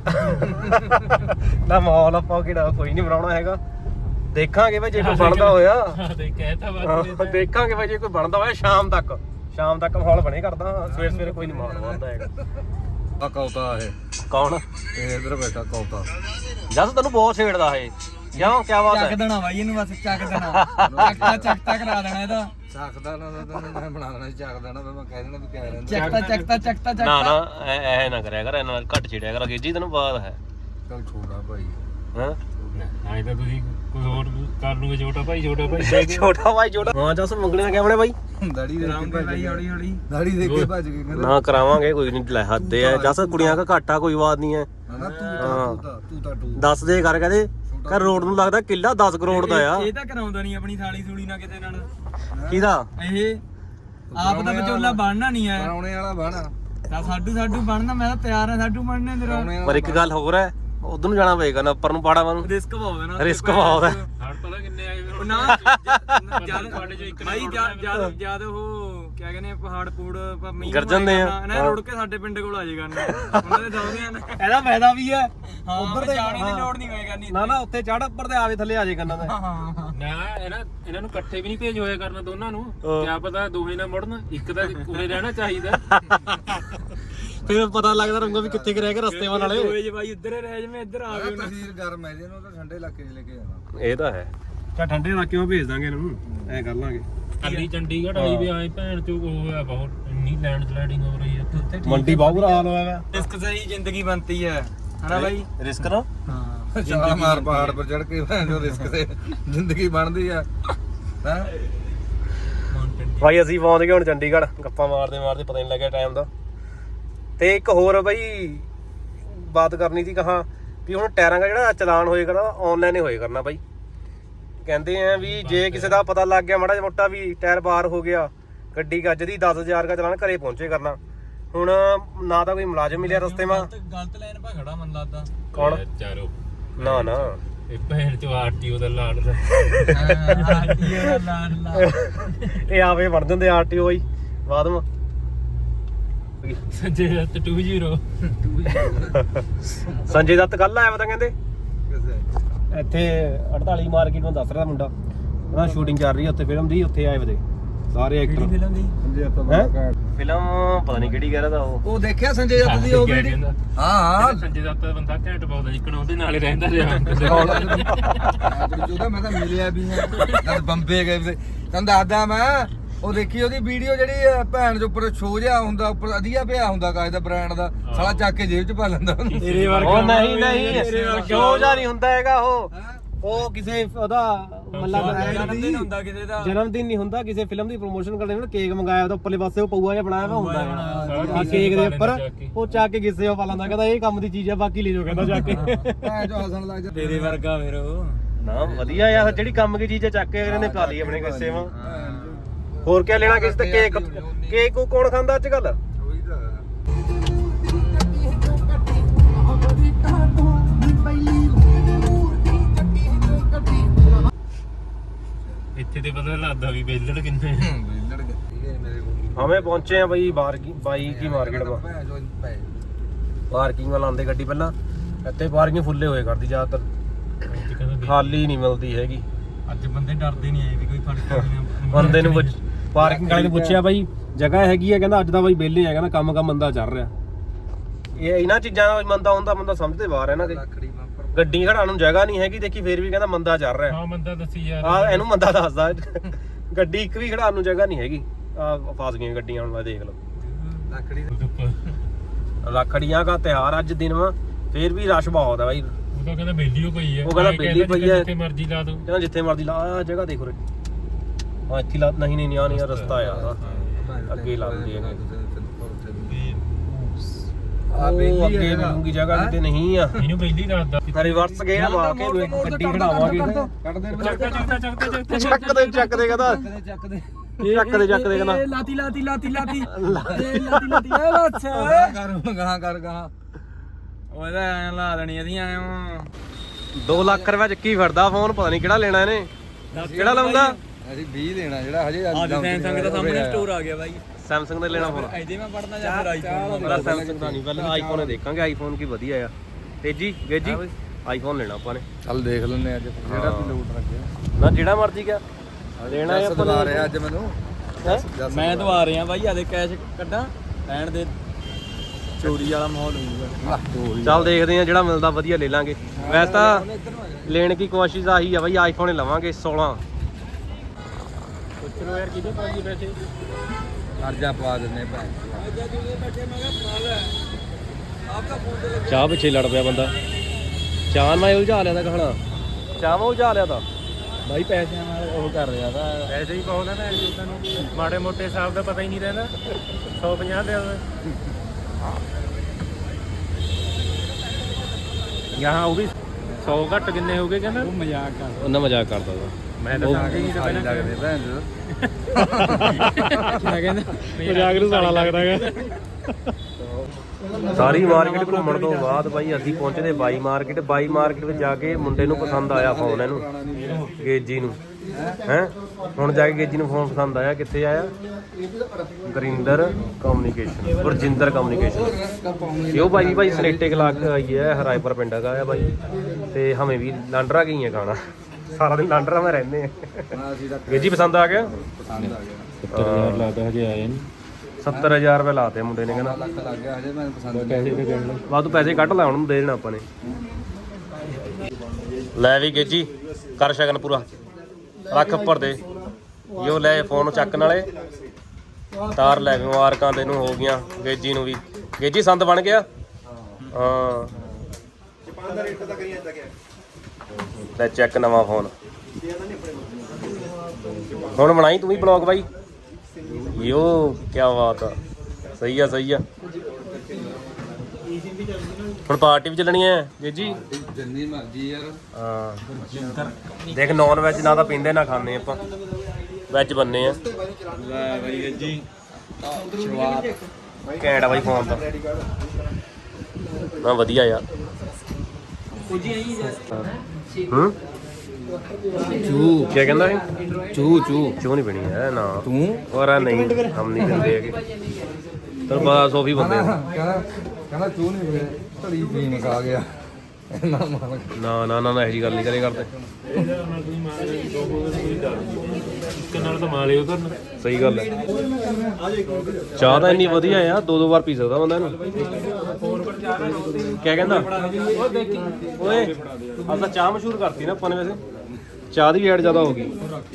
Speaker 2: ਕਰਦੇ
Speaker 1: ਨਾ ਮਾਹੌਲ ਆਪਾਂ ਕਿਹੜਾ ਕੋਈ ਨਹੀਂ ਬਣਾਉਣਾ ਹੈਗਾ ਦੇਖਾਂਗੇ ਬਾਈ ਜੇ ਕੋਈ ਬਣਦਾ ਹੋਇਆ
Speaker 2: ਤੇ ਕਹਿਤਾ
Speaker 1: ਹਾਂ, ਦੇਖਾਂਗੇ ਬਾਈ ਜੇ ਕੋਈ ਬਣਦਾ ਹੋਇਆ ਸ਼ਾਮ ਤੱਕ ਮਾਹੌਲ ਬਣੇ ਕਰਦਾ ਸਵੇਰੇ ਕੋਈ ਨਹੀਂ ਮਾਹੌਲ ਬਣਦਾ ਹੈਗਾ
Speaker 3: ਆ ਕੌਤਾ ਇਹ
Speaker 1: ਕੌਣ
Speaker 3: ਇਹ ਇਧਰ ਬੈਠਾ ਕੌਤਾ
Speaker 1: ਜਦ ਤੈਨੂੰ ਬਹੁਤ ਛੇੜਦਾ ਇਹ ਕਿਉਂ ਕੀ ਬਾਤ
Speaker 4: ਚੱਕ
Speaker 1: ਹੈ
Speaker 4: ਦੇਣਾ ਬਾਈ ਇਹਨੂੰ ਬਸ ਚੱਕ ਦੇਣਾ ਚੱਕਤਾ ਕਰਾ ਦੇਣਾ ਇਹਦਾ
Speaker 3: ਚੱਕਦਾ ਨਾ ਤੈਨੂੰ ਮੈਂ ਬਣਾ ਦੇਣਾ ਚੱਕ ਦੇਣਾ ਮੈਂ ਕਹਿ ਦੇਣਾ ਤੂੰ ਕਹਿ ਰਿਹਾ
Speaker 4: ਚੱਕਤਾ
Speaker 1: ਨਾ ਨਾ ਐ ਨਾ ਕਰਿਆ ਕਰ ਇਹਨਾਂ ਨਾਲ ਘੱਟ ਛੇੜਿਆ ਕਰ ਗੇਜੀ ਤੈਨੂੰ ਬਾਤ ਹੈ
Speaker 3: ਚੱਲ ਛੋੜਾ ਭਾਈ
Speaker 1: ਹਾਂ
Speaker 2: ਨਹੀਂ ਤਾਂ ਤੁਸੀਂ ਕੁਝ ਹੋਰ ਕਰ ਲੂਗੇ ਛੋਟਾ ਭਾਈ
Speaker 1: ਛੋਟਾ ਭਾਈ ਛੋਟਾ ਹਾਂ ਜਸ ਮੰਗਣੇ ਕਿਵੇਂ ਬਾਈ
Speaker 3: ਦਾੜੀ ਦੇਖ ਕੇ ਭਾਈ ਹੌਲੀ ਹੌਲੀ ਦਾੜੀ ਦੇਖ ਕੇ ਭੱਜ ਗਏ ਕਹਿੰਦਾ
Speaker 1: ਨਾ ਕਰਾਵਾਂਗੇ ਕੋਈ ਨਹੀਂ ਲੈ ਹੱਦੇ ਆ ਜਸ ਕੁੜੀਆਂ ਦਾ ਘਾਟਾ ਕੋਈ ਬਾਤ ਨਹੀਂ ਹੈ
Speaker 3: ਨਾ ਤੂੰ ਤਾਂ
Speaker 1: ਦੱਸ ਦੇ ਕਰ ਕਹਿੰਦੇ ਕਰ ਰੋਡ ਨੂੰ ਲੱਗਦਾ ਕਿੱਲਾ 10 ਕਰੋੜ ਦਾ ਆ
Speaker 4: ਇਹ ਤਾਂ ਕਰਾਉਂਦਾ ਨਹੀਂ ਆਪਣੀ ਸਾਲੀ ਸੂਲੀ ਨਾਲ ਕਿਸੇ ਨਾਲ
Speaker 1: ਕਿਹਦਾ
Speaker 4: ਇਹ ਆਪ ਦਾ ਵਿਚੋਲਾ ਬਣਨਾ ਨਹੀਂ ਆ
Speaker 3: ਕਰਾਉਣੇ ਵਾਲਾ ਬਣਾ
Speaker 4: ਤਾਂ ਸਾਡੂ ਬਣਨਾ ਮੈਂ ਤਾਂ ਤਿਆਰ ਆ ਸਾਡੂ ਬਣਨੇ ਤੇਰਾ
Speaker 1: ਪਰ ਇੱਕ ਗੱਲ ਹੋਰ ਹੈ ਉਧਰ ਨੂੰ ਜਾਣਾ ਪਏਗਾ ਨਾ ਉੱਪਰ ਨੂੰ ਪਾੜਾ ਨੂੰ
Speaker 4: ਰਿਸਕ ਬਹੁਤ ਹੈ ਨਾ
Speaker 1: ਰਿਸਕ ਬਹੁਤ ਹੈ
Speaker 2: ਹੜ ਪਤਾ ਕਿੰਨੇ ਆਏ ਹੋਏ
Speaker 4: ਨਾ
Speaker 2: ਜਦ ਤੁਹਾਡੇ ਚੋਂ ਇੱਕ
Speaker 4: ਭਾਈ ਜਦ ਉਹ ਕਿਆ ਕਹਿੰਦੇ ਆ, ਪਹਾੜ ਪੂੜ ਮੀਂਹ
Speaker 1: ਗਰਜਨ ਦੇ ਆ।
Speaker 4: ਨਾ ਰੁੜ ਕੇ ਸਾਡੇ ਪਿੰਡ ਕੋਲ ਆ ਜਾਏਗਾ ਉਹਨਾਂ ਦੇ ਦੌੜਦੇ ਆ ਇਹਦਾ ਫਾਇਦਾ ਵੀ ਹੈ ਉੱਧਰ ਤੇ ਜਾਣ ਦੀ ਲੋੜ ਨਹੀਂ ਹੋਏ ਕਰਨੀ
Speaker 1: ਨਾ ਉੱਤੇ ਚੜ ਉੱਪਰ ਤੇ ਆਵੇ ਥੱਲੇ ਆ ਜੇ ਕੰਨਾਂ ਦੇ
Speaker 2: ਨਾ ਇਹਨਾਂ ਨੂੰ ਇਕੱਠੇ ਵੀ ਨਹੀਂ ਭੇਜ ਹੋਇਆ ਕਰਨਾ ਦੋਨਾਂ ਨੂੰ ਕਿਆ ਪਤਾ ਦੋਹੇ ਨਾ ਮੁੜਨ ਇੱਕ ਤਾਂ ਉਰੇ ਰਹਿਣਾ ਚਾਹੀਦਾ
Speaker 1: ਫਿਰ ਪਤਾ ਲੱਗਦਾ ਰਹੂਗਾ ਵੀ ਕਿੱਥੇ ਕਿ ਰਹਿ ਕੇ ਰਸਤੇ ਵਾਲੇ
Speaker 4: ਓਏ ਜੀ ਭਾਈ ਉੱਧਰ ਹੀ ਰਹਿ ਜਵੇਂ ਇੱਧਰ ਆ ਗਏ
Speaker 3: ਤਸੀਰ ਗਰਮ ਹੈ ਇਹਨੂੰ ਤਾਂ ਠੰਡੇ ਇਲਾਕੇ 'ਚ ਲੈ ਕੇ ਜਾਣਾ
Speaker 1: ਇਹ ਤਾਂ ਹੈ ਚਾ ਠੰਡੇ ਇਲਾਕਿਆਂ ਭੇਜ ਦਾਂਗੇ ਇਹਨਾਂ ਨੂੰ ਐ ਕਰ ਲਾਂਗੇ
Speaker 2: ਖਾਲੀ ਚੰਡੀਗੜ੍ਹ ਆਈ ਵੀ ਆਏ ਭੈਣ ਚੋ ਉਹ ਹੋਇਆ ਬਹੁਤ ਇੰਨੀ ਲੈਂਡ ਸਲਾਈਡਿੰਗ ਹੋ ਰਹੀ ਹੈ ਉੱਥੇ
Speaker 1: ਮੰਡੀ ਬਹੁਤ ਬੁਰਾ ਹਾਲ ਹੋਇਆ ਵਾ
Speaker 4: ਰਿਸਕ ਸਹੀ ਜ਼ਿੰਦਗੀ ਬਣਤੀ ਹੈ ਹਨਾ ਬਾਈ
Speaker 1: ਰਿਸਕ ਨਾ
Speaker 4: ਹਾਂ
Speaker 3: ਛਾਲ ਮਾਰ ਪਹਾੜ ਪਰ ਚੜ ਕੇ ਭੈਣ ਜੋ ਰਿਸਕ ਤੇ ਜ਼ਿੰਦਗੀ ਬਣਦੀ ਆ ਹੈ
Speaker 1: ਬਾਈ ਅਸੀਂ ਪਹੁੰਚ ਗਏ ਹੁਣ ਚੰਡੀਗੜ੍ਹ ਗੱਪਾਂ ਮਾਰਦੇ ਮਾਰਦੇ ਪਤਾ ਨਹੀਂ ਲੱਗਿਆ ਟਾਈਮ ਦਾ। ਤੇ ਇੱਕ ਹੋਰ ਬਾਈ ਬਾਤ ਕਰਨੀ ਸੀ ਕਹਾ ਵੀ ਹੁਣ ਟਾਇਰਾਂ ਦਾ ਜਿਹੜਾ ਚਲਾਨ ਹੋਏ ਕਰਨਾ ਆਨਲਾਈਨ ਹੀ ਹੋਏ ਕਰਨਾ ਬਾਈ। ਕਹਿੰਦੇ ਆ ਵੀ ਜੇ ਕਿਸੇ ਦਾ ਪਤਾ ਲੱਗ ਗਿਆ ਮਾੜਾ ਮੋਟਾ ਵੀ ਟਾਇਰ ਬਾਹਰ ਹੋ ਗਿਆ ਗੱਡੀ ਗੱਜ ਦੀ 10,000 ਦਾ ਚਲਾਨ ਘਰੇ ਪਹੁੰਚੇ ਕਰਨਾ। ਹੁਣ ਨਾ ਤਾਂ ਕੋਈ ਮੁਲਾਜ਼ਮ ਮਿਲਿਆ ਰਸਤੇ ਮਾ
Speaker 4: ਗਲਤ ਲਾਈਨ ਪਾ ਖੜਾ ਮਨ ਲੱਗਦਾ
Speaker 1: ਕੌਣ
Speaker 2: ਚਾਰੋ
Speaker 1: ਨਾ ਨਾ
Speaker 2: ਇਹ ਭੈਣ ਚੋ ਆਰਟੀਓ ਦਾ ਲਾਣ ਦਾ
Speaker 4: ਆਰਟੀਓ ਦਾ ਲਾਣ ਲਾ
Speaker 1: ਇਹ ਆਵੇ ਬਣ ਜਾਂਦੇ ਆਰਟੀਓ ਬਾਈ ਬਾਅਦ ਮਾ
Speaker 2: ਸੰਜੇ ਦੱਤ 20
Speaker 1: ਸੰਜੇ ਦੱਤ ਕੱਲ ਆਇਆ ਪਤਾ ਕਹਿੰਦੇ
Speaker 3: ਕਿਸੇ
Speaker 1: ਇੱਥੇ 48 ਮਾਰਕੀਟ ਨੂੰ ਦੱਸ ਰਿਹਾ ਮੁੰਡਾ ਉਹਨਾਂ ਸ਼ੂਟਿੰਗ ਚੱਲ ਰਹੀ ਹੈ ਉੱਥੇ ਫਿਲਮ ਦੀ ਉੱਥੇ ਆਏ ਵਦੇ ਸਾਰੇ ਐਕਟਰ
Speaker 4: ਫਿਲਮ ਦੀ
Speaker 3: ਸੰਜੇ ਦੱਤ
Speaker 1: ਹੈਂ?
Speaker 3: ਦਾ
Speaker 1: ਫਿਲਮ ਪਤਾ ਨਹੀਂ ਕਿਹੜੀ ਕਹਿ ਰਿਹਾ ਤਾਂ ਉਹ
Speaker 3: ਦੇਖਿਆ ਸੰਜੇ ਦੱਤ ਦੀ ਉਹ ਵੀਡੀਓ ਹਾਂ
Speaker 2: ਸੰਜੇ ਦੱਤ ਦਾ ਬੰਦਾ ਘੈਂਟ ਪਾਉਂਦਾ ਜਿੱਕਣ ਉਹਦੇ ਨਾਲ ਹੀ ਰਹਿੰਦਾ ਰਿਹਾ
Speaker 3: ਉਹਦਾ ਮੈਂ ਤਾਂ ਮਿਲਿਆ ਵੀ ਹਾਂ ਜਦ ਬੰਬੇ ਗਏ ਤੇ ਤੈਨੂੰ ਦੱਸਦਾ ਮੈਂ ਉਹ ਦੇਖੀ ਉਹਦੀ ਵੀਡੀਓ ਜਿਹੜੀ ਭੈਣ ਦੇ ਉੱਪਰ ਸ਼ੋ ਜਿਹਾ ਹੁੰਦਾ ਉੱਪਰ ਵਧੀਆ ਪਿਆ ਹੁੰਦਾ ਕਾਜ ਦਾ ਬ੍ਰਾਂਡ ਦਾ ਸਾਲਾ ਚੱਕ ਕੇ ਜੇਬ 'ਚ ਪਾ ਲੈਂਦਾ ਉਹਨੂੰ
Speaker 4: ਤੇਰੇ
Speaker 1: ਉਹ ਨਹੀਂ ਨਹੀਂ ਕਿਉਂ ਜਾ ਨਹੀਂ ਹੁੰਦਾ ਹੈਗਾ ਉਹ ਕਿਸੇ ਉਹਦਾ
Speaker 4: ਜਨਮ ਦਿਨ ਹੁੰਦਾ ਕਿਸੇ ਦਾ
Speaker 1: ਜਨਮ ਦਿਨ ਨਹੀਂ ਹੁੰਦਾ ਕਿਸੇ ਫਿਲਮ ਦੀ ਪ੍ਰੋਮੋਸ਼ਨ ਕਰਦੇ ਨੇ ਕੇਕ ਮੰਗਾਇਆ ਉਹਦਾ ਉੱਪਰਲੇ ਪਾਸੇ ਉਹ ਪਊਆ ਜਿਹਾ ਬਣਾਇਆ ਵਾ ਹੁੰਦਾ ਹੈ ਕੇਕ ਦੇ ਉੱਪਰ ਉਹ ਚੱਕ ਕੇ ਕਿਸੇ ਉਹ ਪਾ ਲੈਂਦਾ ਕਹਿੰਦਾ ਇਹ ਕੰਮ ਦੀ ਚੀਜ਼ ਆ ਬਾਕੀ ਲੈ ਜਾਓ ਕਹਿੰਦਾ ਜਾ ਕੇ
Speaker 3: ਭੈਣ ਜੋ ਹੱਸਣ ਲੱਗ ਜਾ
Speaker 4: ਤੇਰੇ ਵਰਗਾ ਫਿਰ ਉਹ
Speaker 1: ਨਾ ਵਧੀਆ ਯਾਰ ਜਿਹੜੀ ਕੰਮ ਦੀ ਚੀਜ਼ ਆ ਚੱਕ ਕੇ ਇਹਨੇ ਪਾ ਲਈ ਆਪਣੇ ਕਿਸੇ ਵਾ ਹੋਰ ਕੀ ਲੈਣਾ ਕਿਸੇ ਤੇ ਕੇਕ ਕੇਕ ਕੌਣ ਖਾਂਦਾ ਅੱਜ ਕੱਲ
Speaker 3: ਉਹੀ ਤਾਂ
Speaker 2: ਇੱਥੇ ਤੇ ਪਤਾ ਲੱਗਦਾ ਵੀ ਬੇਲੜ ਕਿੰਨੇ
Speaker 3: ਲੜ ਗਏ ਮੇਰੇ ਕੋਲ
Speaker 1: ਹਮੇ ਪਹੁੰਚੇ ਆ ਬਾਈ ਬਾਈ ਕੀ ਮਾਰਕੀਟ ਮਾ
Speaker 3: ਭੈਣ ਜੋ ਪੈ
Speaker 1: ਪਾਰਕਿੰਗ ਵਾਲਾ ਆਂਦੇ ਗੱਡੀ ਪਹਿਲਾਂ ਇੱਥੇ ਪਾਰਕਿੰਗ ਫੁੱਲੇ ਹੋਏ ਕਰਦੀ ਜ਼ਿਆਦਾਤਰ ਖਾਲੀ ਨਹੀਂ ਮਿਲਦੀ ਹੈਗੀ।
Speaker 4: ਅੱਜ ਬੰਦੇ ਡਰਦੇ ਨਹੀਂ ਆਏ ਵੀ ਕੋਈ ਫੜ ਕੇ
Speaker 1: ਬੰਦੇ ਨੂੰ ਪਾਰਕਿੰਗ ਵਾਲੇ ਨੂੰ ਪੁੱਛਿਆ ਬਾਈ ਜਗ੍ਹਾ ਹੈਗੀ ਆ ਕਹਿੰਦਾ ਅੱਜ ਦਾ ਬਾਈ ਵਿਹਲੇ ਆ ਕਹਿੰਦਾ ਕੰਮ ਮੰਦਾ ਚੱਲ ਰਿਹਾ। ਇਹ ਇਹਨਾਂ ਚੀਜ਼ਾਂ ਦਾ ਮੰਦਾ ਹੁੰਦਾ ਬੰਦਾ ਸਮਝਦੇ ਬਾਹਰ ਹੈ ਨਾ ਕਿ
Speaker 3: ਲੱਕੜੀ ਬੰਪਰ
Speaker 1: ਗੱਡੀ ਖੜਾਉਣ ਨੂੰ ਜਗ੍ਹਾ ਨਹੀਂ ਹੈਗੀ ਦੇਖੀ ਫੇਰ ਵੀ ਕਹਿੰਦਾ ਮੰਦਾ ਚੱਲ ਰਿਹਾ।
Speaker 2: ਹਾਂ ਬੰਦਾ ਦੱਸੀ ਯਾਰ
Speaker 1: ਆ ਇਹਨੂੰ ਮੰਦਾ ਦੱਸਦਾ ਗੱਡੀ ਇੱਕ ਵੀ ਖੜਾਉਣ ਨੂੰ ਜਗ੍ਹਾ ਨਹੀਂ ਹੈਗੀ ਆ ਫਸ ਗਈਆਂ ਗੱਡੀਆਂ ਹੁਣ ਦੇਖ ਲਓ।
Speaker 3: ਲੱਕੜੀ
Speaker 1: ਰੱਖੜੀਆਂ ਦਾ ਤਿਉਹਾਰ ਅੱਜ ਦਿਨ ਵਾ ਫੇਰ ਵੀ ਰਸ਼ ਬਹੁਤ ਆ ਬਾਈ।
Speaker 2: ਉਹ ਤਾਂ ਕਹਿੰਦਾ ਬੇਲੀ ਹੋ ਪਈ ਹੈ
Speaker 1: ਉਹ ਕਹਿੰਦਾ ਵਿਹਲੀ ਪਈ ਹੈ।
Speaker 2: ਜਿੱਥੇ ਮਰਜ਼ੀ ਲਾ ਦੋ
Speaker 1: ਕਹਿੰਦਾ ਜਿੱਥੇ ਮਰਜ਼ੀ ਲਾ ਆ ਜਗ੍ਹਾ ਦੇਖੋ ਰੇ ਹਾਂ ਇੱਥੇ ਲਾ ਨਹੀਂ ਆ ਨਹੀਂ ਰਸਤਾ ਆ ਅੱਗੇ ਲੱਗਦੀ ਹੈ ਉਹ ਅੱਗੇ ਮਿਲੂਗੀ ਜਗ੍ਹਾ ਕਿਤੇ ਨਹੀਂ ਆ
Speaker 2: ਇਹਨੂੰ ਬੇਲੀ ਦੱਸਦਾ
Speaker 1: ਰਿਵਰਸ ਗੇਅਰ ਲਾ ਕੇ ਗੱਡੀ ਖੜਾਵਾਂਗੇ
Speaker 3: ਕੱਢ ਦੇ
Speaker 1: ਚੱਕ ਦੇ ਕਹਿੰਦਾ
Speaker 3: ਚੱਕ ਦੇ
Speaker 1: ਚੱਕ ਦੇ ਕਹਿੰਦਾ
Speaker 4: ਲਾਤੀ ਏ ਬੱਸ
Speaker 3: ਗਾਂ ਕਰ ਗਾਂ
Speaker 4: ਉਹਦਾ ਐ ਲਾ ਦੇਣੀ ਇਹਦੀਆਂ ਐ
Speaker 1: 2 ਲੱਖ ਰੁਪਏ ਚੱਕੀ ਫਿਰਦਾ ਫੋਨ ਪਤਾ ਨਹੀਂ ਕਿਹੜਾ ਲੈਣਾ ਇਹਨੇ ਕਿਹੜਾ ਲਾਉਂਦਾ
Speaker 3: ਅਸੀਂ 20 ਦੇਣਾ ਜਿਹੜਾ ਹਜੇ
Speaker 4: ਸੈਮਸੰਗ ਦਾ ਸਾਹਮਣੇ ਸਟੋਰ ਆ ਗਿਆ ਬਾਈ
Speaker 1: ਸੈਮਸੰਗ ਦਾ ਲੈਣਾ ਫੋਨ
Speaker 4: ਇਹਦੇ ਮੈਂ ਪੜਨਾ ਜਾਂ ਫਿਰ ਆਈਫੋਨ
Speaker 1: ਮੇਰਾ ਸੈਮਸੰਗ ਦਾ ਨਹੀਂ ਪਹਿਲਾਂ ਆਈਫੋਨ ਹੀ ਦੇਖਾਂਗੇ ਆਈਫੋਨ ਕੀ ਵਧੀਆ ਆ ਤੇਜੀ ਗੇਜੀ ਆਈਫੋਨ ਲੈਣਾ ਆਪਾਂ ਨੇ
Speaker 3: ਚੱਲ ਦੇਖ ਲੈਂਦੇ ਅੱਜ ਜਿਹੜਾ ਵੀ ਲੋਟ ਰੱਖਿਆ
Speaker 1: ਨਾ ਜਿਹੜਾ ਮਰਜ਼ੀ ਗਿਆ ਲੈਣਾ ਹੈ ਆਪਾਂ
Speaker 3: ਦਵਾ ਰਿਹਾ ਅੱਜ ਮੈਨੂੰ
Speaker 4: ਮੈਂ ਤਾਂ ਆ ਰਿਹਾ ਬਾਈ ਆਦੇ ਕੈਸ਼ ਕੱਢਾਂ ਲੈਣ ਦੇ ਚੋਰੀ ਵਾਲਾ ਮਾਹੌਲ ਹੋਊਗਾ
Speaker 1: ਚੱਲ ਦੇਖਦੇ ਆ ਜਿਹੜਾ ਮਿਲਦਾ ਵਧੀਆ ਲੈ ਲਾਂਗੇ ਵੈਸੇ ਤਾਂ ਲੈਣ ਦੀ ਕੋਸ਼ਿਸ਼ ਆਹੀ ਆ ਬਾਈ ਆਈਫੋਨ ਹੀ ਲਵਾਂਗੇ 16
Speaker 2: ਪੁੱਛੋ ਯਾਰ ਕਿਹਦੇ ਪਾਜੀ ਪੈਸੇ
Speaker 3: ਅਰਜਾ ਪਵਾ ਦਿੰਦੇ ਭੈਣ
Speaker 1: ਚਾਹ ਪਿੱਛੇ ਲੜ ਪਿਆ ਬੰਦਾ ਚਾਹ ਮੈਂ ਉਲਝਾ ਲਿਆ ਤਾਂ ਕਹਣਾ ਚਾਹ ਮੈਂ ਉਲਝਾ ਲਿਆ ਤਾਂ
Speaker 4: ਬਾਈ ਪੈਸਿਆਂ ਨਾਲ ਉਹ ਕਰ ਰਿਹਾ ਤਾਂ
Speaker 2: ਪੈਸੇ ਹੀ ਪਾਉਂਦਾ ਭੈਣ ਜੀ ਨੂੰ ਮਾੜੇ ਮੋਟੇ ਹਿਸਾਬ ਦਾ ਪਤਾ ਹੀ ਨਹੀਂ ਰਹਿੰਦਾ 150 ਦੇ ਯਹਾਂ ਉਹ ਵੀ 100 ਘੱਟ ਕਿੰਨੇ ਹੋ ਗਏ ਕਹਿੰਦਾ
Speaker 4: ਉਹ ਮਜ਼ਾਕ ਕਰ
Speaker 1: ਉਹਨਾਂ ਮਜ਼ਾਕ ਕਰਦਾ ਤਾ
Speaker 2: ਮੈਂ ਤਾਂ ਆ ਗਈ ਤਾਂ ਪਹਿਲਾਂ
Speaker 3: ਲੱਗਦੇ ਭੈਣ ਜੋ
Speaker 4: ਕਿਆ ਕਹਿੰਦਾ
Speaker 1: ਮਜ਼ਾਕ ਨੂੰ ਸਾਲਾ ਲੱਗਦਾ ਹੈਗਾ ਸਾਰੀ ਮਾਰਕੀਟ ਘੁੰਮਣ ਤੋਂ ਬਾਅਦ ਬਾਈ ਅਸੀਂ ਪਹੁੰਚਦੇ ਬਾਈ ਮਾਰਕੀਟ ਵਿੱਚ ਜਾ ਕੇ ਮੁੰਡੇ ਨੂੰ ਪਸੰਦ ਆਇਆ ਫੋਨ ਇਹਨੂੰ ਗੇਜੀ ਨੂੰ ਹੈ ਹੁਣ ਜਾ ਕੇ ਗੇਜੀ ਨੂੰ ਫੋਨ ਪਸੰਦ ਆਇਆ ਕਿੱਥੇ ਆਇਆ ਗੁਰਿੰਦਰ ਕਮਿਊਨੀਕੇਸ਼ਨ ਇਹ ਭਾਈ ਸਨੇਟੇ ਕਲਾਕ ਆਈ ਹੈ ਹਰਾਇਪੁਰ ਪਿੰਡ ਦਾ ਆ ਬਾਈ ਤੇ ਹਮੇ ਵੀ ਲਾਂਡਰਾ ਗਈ ਹੈ ਖਾਣਾ ਸਾਰਾ ਦਿਨ ਲਾਂਡਰਾ ਮੈਂ ਰਹਿੰਦੇ ਆ ਗੇਜੀ ਪਸੰਦ ਆ ਗਿਆ
Speaker 3: ਪਸੰਦ ਆ ਗਿਆ
Speaker 2: 70,000 ਲੱਗਦਾ ਹਜੇ ਆਏ ਨਹੀਂ
Speaker 1: 70000 ਰੁਪਏ ਲਾਤੇ ਮੁੰਡੇ ਨੇ ਕਹਿੰਦਾ
Speaker 3: ਲੱਖ ਲੱਗ ਗਿਆ ਹਜੇ ਮੈਨੂੰ ਪਸੰਦ
Speaker 2: ਪੈਸੇ ਤੇ ਕਹਿਣ ਲੱਗ
Speaker 1: ਵਾਧੂ ਪੈਸੇ ਕੱਢ ਲਾ ਉਹਨੂੰ ਦੇ ਦੇਣਾ ਆਪਾਂ ਨੇ ਲੈ ਵੀ ਗੇਜੀ ਕਰ ਸ਼ਗਨ ਪੂਰਾ ਰੱਖ ਉੱਪਰ ਦੇ ਯੋ ਲੈ ਫੋਨ ਚੱਕ ਨਾਲੇ ਤਾਰ ਲੈ ਮੁਬਾਰਕਾਂ ਤੈਨੂੰ ਹੋ ਗਈਆਂ ਗੇਜੀ ਨੂੰ ਵੀ ਗੇਜੀ ਸੰਦ ਬਣ ਗਿਆ ਹਾਂ ਲੈ ਚੈੱਕ ਨਵਾਂ ਫੋਨ ਹੁਣ ਬਣਾਈ ਤੂੰ ਵੀ ਬਲੌਗ ਬਾਈ ਯੋ ਕੀ ਬਾਤ ਆ ਸਹੀ ਆ ਹੁਣ ਪਾਰਟੀ ਵੀ ਚੱਲਣੀ ਹੈ ਜੀ
Speaker 3: ਜਿੰਨੀ ਮਰਜ਼ੀ ਯਾਰ
Speaker 1: ਹਾਂ ਦੇਖ ਨੌਨ ਵੈਜ ਨਾ ਤਾਂ ਪੀਂਦੇ ਨਾ ਖਾਂਦੇ ਆਪਾਂ ਵੈਜ ਬੰਨੇ ਆ
Speaker 4: ਲੈ ਬਾਈ ਜੀ
Speaker 1: ਘੈਂਟ ਆ ਬਾਈ ਫੋਨ ਤਾਂ ਨਾ ਵਧੀਆ ਯਾਰ ਹੂੰ
Speaker 3: ਚੂ
Speaker 1: ਕੀ ਕਹਿੰਦਾ ਇਹ ਚੂ ਨਹੀਂ ਪੀਣੀ ਹੈ ਨਾ
Speaker 3: ਤੂੰ
Speaker 1: ਹੋਰ ਨਹੀਂ ਹਮ ਨਹੀਂ ਪੀਂਦੇ ਹੈਗੇ ਤੈਨੂੰ ਪਤਾ ਸੋਫੀ ਬੰਦੇ ਆ।
Speaker 3: ਕਹਿੰਦਾ ਚੂ ਨਹੀਂ ਪੀਣੇ ਧੜੀ ਪੀ ਮਕਾ ਗਿਆ ਨਾ ਮਾਰ
Speaker 1: ਨਾ ਇਹੋ ਜਿਹੀ ਗੱਲ ਨਹੀਂ ਕਰੇ ਕਰਦੇ
Speaker 2: ਇੱਕ ਨਾਲ ਤਾਂ ਮਾਲੇ ਉਹ ਕਰਨ
Speaker 1: ਸਹੀ ਗੱਲ ਹੈ ਚਾਹ ਤਾਂ ਇੰਨੀ ਵਧੀਆ ਆ 2 ਵਾਰ ਪੀ ਸਕਦਾ ਬੰਦਾ ਇਹਨੂੰ ਕੀ ਕਹਿੰਦਾ ਓਏ ਆਪਾਂ ਚਾਹ ਮਸ਼ਹੂਰ ਕਰਤੀ ਨਾ ਆਪਾਂ ਨੇ ਵੈਸੇ ਚਾਹ ਦੀ ਐਡ ਜ਼ਿਆਦਾ ਹੋ ਗਈ